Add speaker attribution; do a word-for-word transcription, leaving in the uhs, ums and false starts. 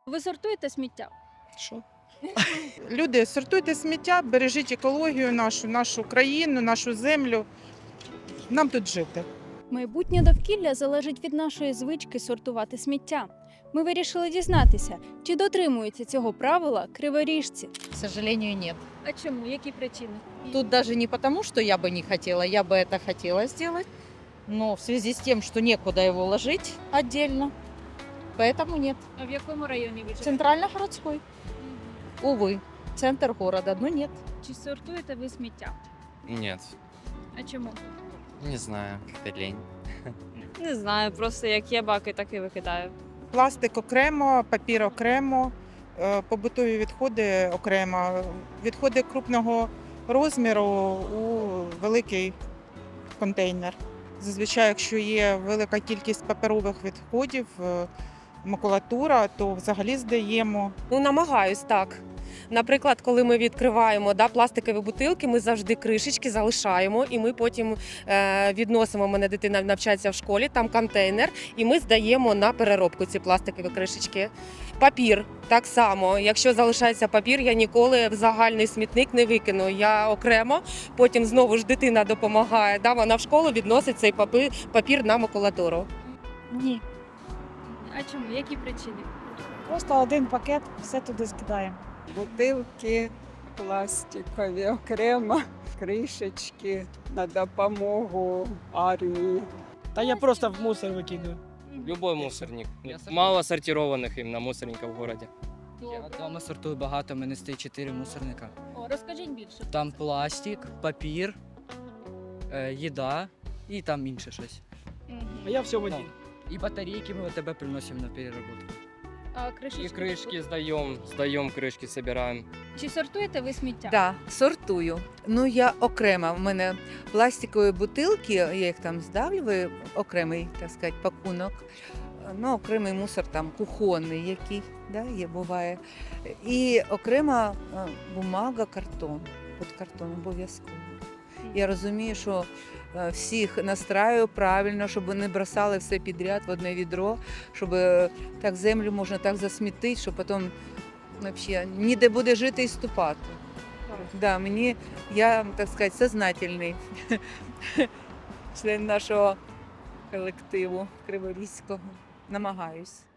Speaker 1: Ви сортуєте сміття?
Speaker 2: Що?
Speaker 3: Люди, сортуйте сміття, бережіть екологію нашу, нашу країну, нашу землю. Нам тут жити.
Speaker 1: Майбутнє довкілля залежить від нашої звички сортувати сміття. Ми вирішили дізнатися, чи дотримуються цього правила криворіжці.
Speaker 4: К сожалению, нет.
Speaker 1: А чому? Які причини?
Speaker 4: Тут даже не потому, что я бы не хотела, я бы это хотела сделать, но в связи с тем, что некуда его ложить отдельно, поэтому нет.
Speaker 1: А в якому районі ви живете?
Speaker 4: Центрально-городской, увы, центр города, но нет.
Speaker 1: Чи сортуєте ви сміття?
Speaker 5: Нет,
Speaker 1: А чому?
Speaker 5: не знаю, как-то лень.
Speaker 6: Не знаю, просто як є баки, так і викидаю.
Speaker 3: Пластик окремо, папір окремо, е, побутові відходи окремо, відходи крупного розміру у великий контейнер. Зазвичай, якщо є велика кількість паперових відходів, е, макулатура, то взагалі здаємо.
Speaker 7: Ну, намагаюсь так. Наприклад, коли ми відкриваємо да, пластикові бутилки, ми завжди кришечки залишаємо, і ми потім е, відносимо. У мене дитина навчається в школі, там контейнер, і ми здаємо на переробку ці пластикові кришечки. Папір так само. Якщо залишається папір, я ніколи в загальний смітник не викину. Я окремо, потім знову ж дитина допомагає. Да, вона в школу відносить цей папір, папір на макулатуру.
Speaker 1: Ні. А чому? Які причини?
Speaker 8: Просто один пакет, все туди скидаємо.
Speaker 9: Бутилки пластикові окремо, кришечки на допомогу армії.
Speaker 10: Та я просто в мусор викидаю.
Speaker 11: Любой мусорник. Мало сортированных именно мусорников в городе.
Speaker 10: Я вдома сортую багато, в мене стоїть чотири мусорника.
Speaker 1: О, розкажіть більше.
Speaker 10: Там пластик, папір, е, їда і там інше щось.
Speaker 8: А я все в
Speaker 10: один. І батарейки ми от тебе приносимо на переработку.
Speaker 1: А кришечки?
Speaker 11: И крышки сдаем, сдаем крышки, собираем.
Speaker 1: Чи сортуєте ви сміття?
Speaker 12: Так, да, сортую. Ну я окремо. У мене пластикові бутилки, я їх там здавлюю, окремий, так сказати, пакунок. Ну, окремий мусор там кухонний, який да, є, буває. І окрема е, бумага, картон. От картон обов'язково. Я розумію, що е, всіх настраю правильно, щоб не бросали все підряд в одне відро, щоб е, так землю можна так засмітити, що потім взагалі ніде буде жити і ступати. Да, мені, я, так сказати, сознательний член нашого колективу Криворізького. Намагаюсь.